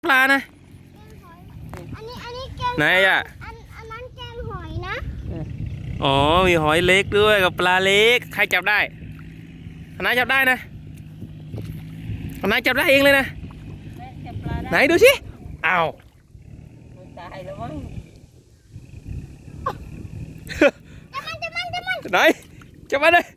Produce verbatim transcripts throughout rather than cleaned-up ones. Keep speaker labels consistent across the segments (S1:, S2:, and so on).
S1: ปลานะ
S2: อันนี้อันนี้แกง
S1: ไหนอ่ะ
S2: อันอันนั้นแกงหอยนะ
S1: อ๋อมีหอยเล็กด้วยกับปลาเล็กใครจับได้คณะจับได้นะคณะจับได้เองเลยนะไหนดูสิอ้าว
S3: ตายแล้วมั้ง
S2: จับมันจับมันจับมัน
S1: ไหนจับมาเลย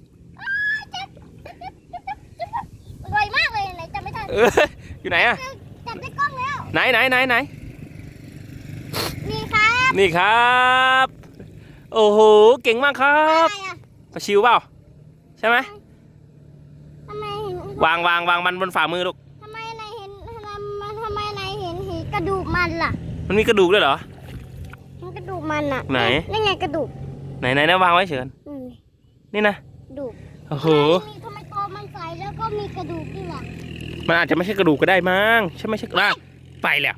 S2: อร่อยมากเลยไหนจับไม่ทัน
S1: อยู่ไหนอะ
S2: จับได้กล้องแล้ว
S1: ไหนไหนไหนไหน
S2: นี่ครับ
S1: นี่ครับโอ้โหเก่งมากครับปลาชิวเปล่าใช่ไหม
S2: ทำไม
S1: วางวางวางมันบนฝ่ามือลูก
S2: ทำไมนายเห็นทำไมทำไมนายเห็นเห็นกระดูกมันล่ะ
S1: มันมีกระดูกด้วยเหรอ
S2: มันกระดูกมันอะ
S1: ไหน
S2: นี่ไงกระดูก
S1: ไหนไหนนะวางไว้เฉยนี่นะ
S2: กระดูก
S1: โอ้โห
S2: ทำไมตัวมันใสแล้วก็มีกระดูกด้วยล่ะ
S1: มันอาจจะไม่ใช่กระดูกก็ได้มั้งใช่ไม่ใช่ล่ะไปแล้ว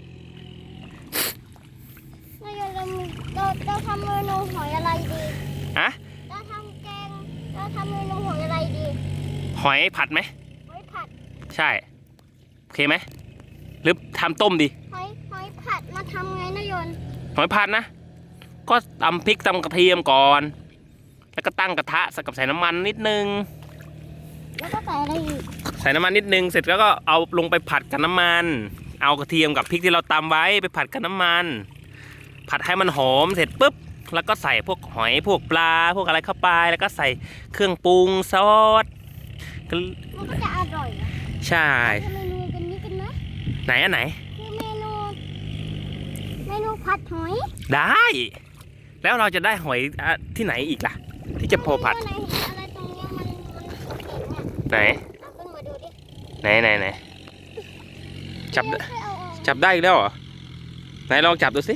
S2: เราเราเราทำเมนูหอยอะไรดี
S1: ฮะ
S2: เราทำแกงเราทำเมนูหอยอะไรดี
S1: หอยผัดไหม
S2: หอยผัด
S1: ใช่โอเคไหมหรือทำต้มดี
S2: หอยหอยผัดมาทำไงนะยน
S1: หอยผัดนะก็ตำพริกตำกระเทียมก่อนแล้วก็ตั้งกระทะใส่กับใส่น้ำมันนิดนึง
S2: แล้วก็ใส่อะไรอีก
S1: ใส่น้ำมันนิดนึงเสร็จแล้วก็เอาลงไปผัดกับน้ำมันเอากระเทียมกับพริกที่เราตำไว้ไปผัดกับน้ำมันผัดให้มันหอมเสร็จปุ๊บแล้วก็ใส่พวกหอยพวกปลาพวกอะไรเข้าไปแล้วก็ใส่เครื่องปรุงซอส
S2: มันก็จะอร่อย
S1: ใช่
S2: ทำเมนูกันนี้กันนะ
S1: ไหนอันไหน
S2: คือเมนูเมนูผัดหอย
S1: ได้แล้วเราจะได้หอยที่ไหนอีกล่ะที่จะพอผัด
S2: อะไรตรงนี้มัน
S1: ไหน
S2: ขึ้นมาดูดิ
S1: ไหนไหนไหนจับจับได้อีกแล้วเหรอไหนลองจับดูสิ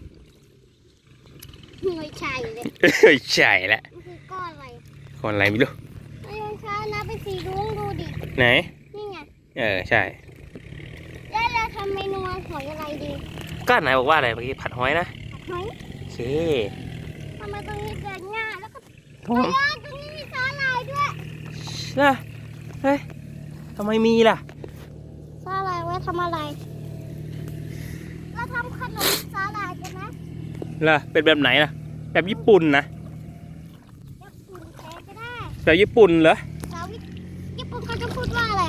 S2: ไม่ใช่เลย
S1: ไม่ใช่แล้ว
S2: มันคือก้อนอะไร
S1: ก้อนอะไรไม่รู้
S2: ไอ้ยังช้านะไปสีรุ้งดูดิ
S1: ไหน
S2: นี่ไง
S1: เออใช่
S2: แล้วเราทำเมนูหอยอะไรดี
S1: ก็ไหนบอกว่าอะไรเมื่อกี้ผัดหอยนะ
S2: ผัดหอย
S1: โอเค
S2: ทำไมตรงนี้เกิดง่ายแล้วก็ตรงนี้มีสาหร่ายด้วย
S1: นะเฮ้ยทำไมมีล่ะ
S2: สาหร่ายไว้ทำอะไรเราทำขนมสาหร่ายกันนะ
S1: ล่ะเป็นแบบไหนล่ะแบบญี่ปุ่นนะ
S2: ญี่ปุ่นแท้ก็ได้
S1: แบบญี่ปุ่นเหรอ
S2: สาวญี่ปุ่นเขาจะพูดว่าอะไร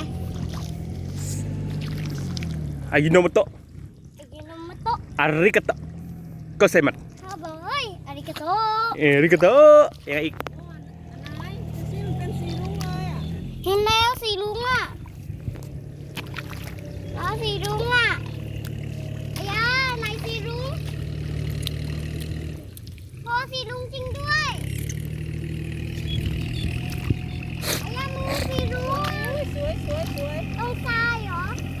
S1: อายิโนโมโตะ
S2: อายิโนโมโตะ
S1: อาริกาโตะโกเซมัส
S2: เขาบอกเฮ้ยอาริกาโตะ
S1: เอริกาโตะยังอีก
S2: เห็นแล้วสีลุงอ่ะแล้วสีลุงอ่ะไอ้ยาไหนสีลุงพอสีลุงจริงด้วยไอ้ยามือสีลุงสวยสวยสวยตรงซ้ายเหรอ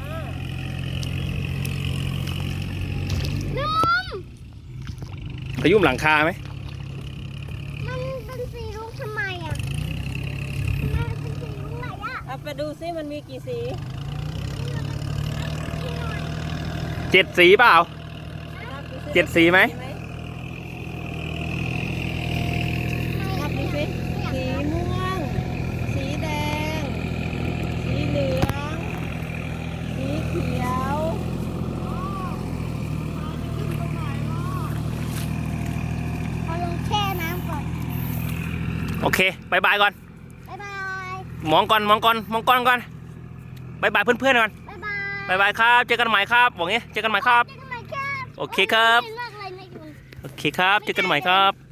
S2: น้ำมัน
S1: ขยุ่มหลังคาไหม
S2: มันเป็นสีลุงทำไมอ่ะ
S3: เอาไปดูซิมันมีกี่สี
S1: เจ็ดสีเปล่าเจ็ดสีไหม
S3: นับดูซิสีม่วงสีแดงสีเหลืองสีเขียว
S2: เอาลงแช่น้ำก่อน
S1: โอเคบายบายก่อน
S2: บายบาย
S1: มองก่อนมองก่อนมองก่อนก่อนบายบายเพื่อนๆก่อน
S2: บายบาย
S1: บายบายครับเจอกันใหม่ครับบอกงี้เจอกันใหม่ครับโอเคครับโอเคครับเจอกันใหม่ครับ